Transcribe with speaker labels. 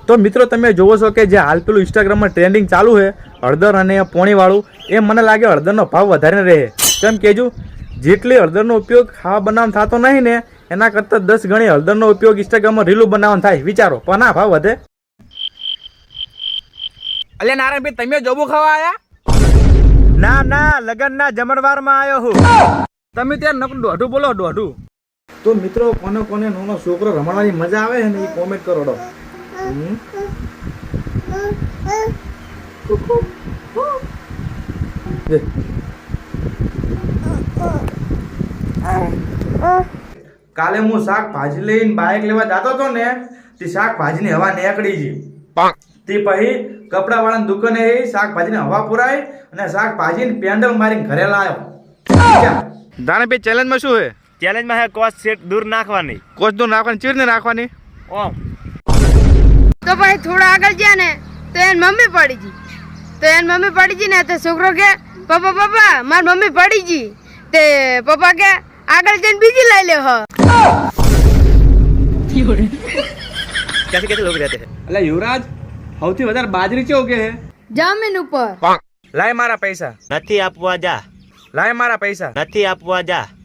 Speaker 1: તો મિત્રો તમે જોવો છો કે જે હાલ પેલું ઇન્સ્ટાગ્રામમાં ટ્રેન્ડિંગ ચાલુ છે હળદર અને પોણીવાળું, એ મને લાગે હળદરનો ભાવ વધારે રહે. કેમ કેજો જેટલી હળદરનો ઉપયોગ ખાવા બનાવવામાં થતો નહીં ને એના કરતાં 10 ગણી હળદરનો ઉપયોગ ઇન્સ્ટાગ્રામમાં રીલું બનાવવાનું થાય. વિચારો પણ આ ભાવ વધે.
Speaker 2: અલ્યા નારાયણભાઈ, તમે જોબુ ખાવા આયા?
Speaker 1: ના ના, લગનના જમણવારમાં આવ્યો હું.
Speaker 2: તમે ત્યાં નકરું દોઢું બોલો, દોઢું.
Speaker 1: તો મિત્રો કોને કોને નાનો છોકરો રમવાની મજા આવે છે ને એ કોમેન્ટ કરો ડો. કાલે હું શાકભાજી લઈને બાઇક લેવા જતો હતો ને તે શાકભાજીની હવા નીકળી ગઈ. તે પછી કપડા વાળાની દુકાને શાકભાજીની હવા પુરાઈ અને શાકભાજીને પેન્ડલ મારીને ઘરે લાવ્યો. દાણાભાઈ ચેલેન્જમાં શું છે?
Speaker 3: ચેલેન્જમાં હે કોસ સેટ દૂર નાખવાની.
Speaker 1: કોચ દૂર નાખવાની ચીરને નાખવાની.
Speaker 3: ઓમ
Speaker 4: તો પછી થોડા આગળ ગયા ને તો એની મમ્મી પડી ગઈ. ને તો છોકરો કે પપ્પા પપ્પા મારી મમ્મી પડી ગઈ. તે પપ્પા કે આગળ જઈને બીજી લઈ લે.
Speaker 3: कैसे कैसे लोग रहते हैं?
Speaker 2: અલ્યા યુવરાજ, સૌથી વધારે બાજરી કેવું કે હે?
Speaker 4: જમીન ઉપર
Speaker 1: લાય મારા પૈસા,
Speaker 3: નથી આપવા જા,
Speaker 1: લાય મારા પૈસા.
Speaker 3: નથી આપવા જા.